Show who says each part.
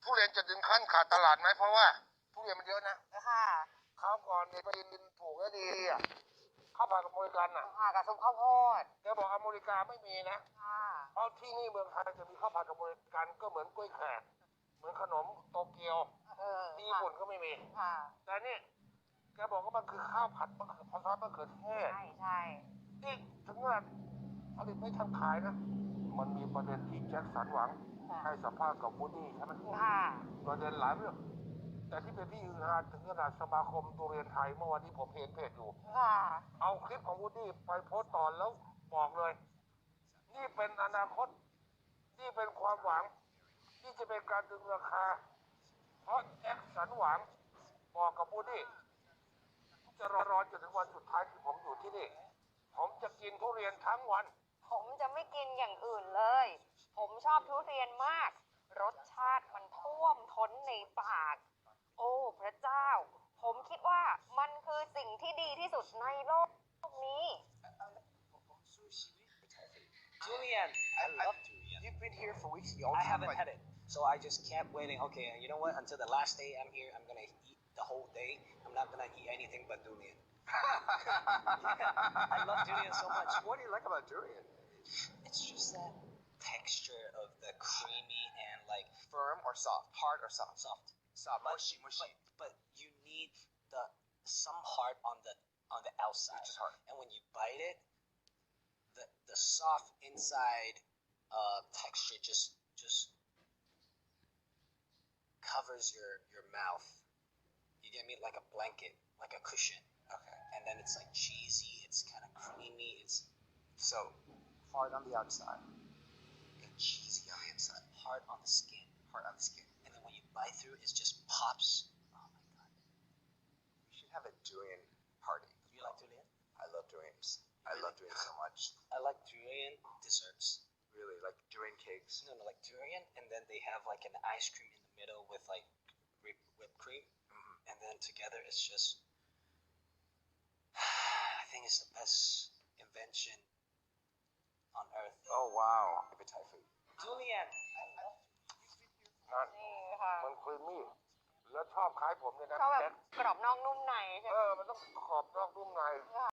Speaker 1: ทุเรียนจะถึงขั้นขาดตลาดไหมเพราะว่าทุเรียนมันเยอะนะ
Speaker 2: ค่ะ
Speaker 1: คราวก่อนเนี่ยไปกินถูกและดีอ่ะข้าวผัดอเมริกันอ่ะ
Speaker 2: ค่ะกับซุปข้าวโพด
Speaker 1: แกบอกอเมริกาไม่มีนะ
Speaker 2: ค่ะ
Speaker 1: เพราะที่นี่เมืองไทยจะมีข้าวผัดอเมริกันก็เหมือนกล้วยแขกเหมือนขนมโตเกียวที่ญี่ปุ่นก็ไม่มี
Speaker 2: ค่ะ
Speaker 1: แต่นี่แกบอกว่ามันคือข้าวผัดมะเขือซอสมะเขือเทศ
Speaker 2: ใช่ใช่
Speaker 1: นี่ถึงว่าผลิตไม่ทันขายนะมันมีประเด็นที่แจ็คสันหวังให้สัมภาษณ์กับวูดดี้ใช่ไหม
Speaker 2: ค่ะ
Speaker 1: ประเด็นหลายเรื่องแต่ที่เป็นที่ฮือฮาถึงขนาดสมาคมทุเรียนไทยเมื่อวันที่ผมเห็นเพจอยู่
Speaker 2: ค่ะ
Speaker 1: เอาคลิปของวูดดี้ไปโพสต์ต่อแล้วบอกเลย นี่เป็นอนาคต นี่เป็นความหวัง ที่จะเป็นการดึงราคา เพราะแจ็คสันหวังบอกกับวูดดี้จะรอจนถึงวันสุดท้ายที่ผมอยู่ที่นี่ ผมจะกินทุเรียนทั้งวัน
Speaker 2: ผมจะไม่กินอย่างอื่นเลย ผมชอบทุเรียนมาก รสชาติมันท่วมท้นในปาก โอ้พระเจ้า ผมคิดว่ามันคือสิ่งที่ดีที่สุดในโลกนี้
Speaker 3: Julian, I love durian.
Speaker 4: You've been here for weeks.
Speaker 3: I haven't had it, so I just kept waiting. Okay, you know what? Until the last day I'm here, I'm gonna eat the whole day. I'm not gonna eat anything but durian. I love durian so much.
Speaker 4: What do you like about durian?
Speaker 3: It's just that texture of the creamy and like
Speaker 4: Firm or soft? Hard or soft?
Speaker 3: soft.
Speaker 4: Soft.
Speaker 3: But,
Speaker 4: Mushy.
Speaker 3: but you need some hard on the outside.
Speaker 4: Which is hard.
Speaker 3: And when you bite it, the soft inside texture just covers your mouth. You get me? Like a blanket, like a cushion.
Speaker 4: Okay.
Speaker 3: And then it's like cheesy, it's kind of creamy, it's
Speaker 4: So, hard on the outside,
Speaker 3: and cheesy
Speaker 4: on the inside,
Speaker 3: hard on the skin.
Speaker 4: hard on the skin.
Speaker 3: And then when you bite through it just pops. Oh my god.
Speaker 4: We should have a durian party.
Speaker 3: You like durian?
Speaker 4: I love durians. I love durian so much.
Speaker 3: I like durian desserts.
Speaker 4: Really, like durian cakes.
Speaker 3: No, like durian, and then they have like an ice cream in the middle with like whipped cream, and then together it's just. I think it's the best invention on earth.
Speaker 4: Oh wow. Appetite food.
Speaker 3: Durian.
Speaker 1: นั่น
Speaker 2: นี่ค่ะ
Speaker 1: มันครีมมี่ แล้วชอบคล้ายผมเลยนะ
Speaker 2: เขาแบ
Speaker 1: แจ็
Speaker 2: บ
Speaker 1: ค
Speaker 2: กรอบนอกนุ่มในใช่ไหม
Speaker 1: มันต้องขอบนอกนุ่มใน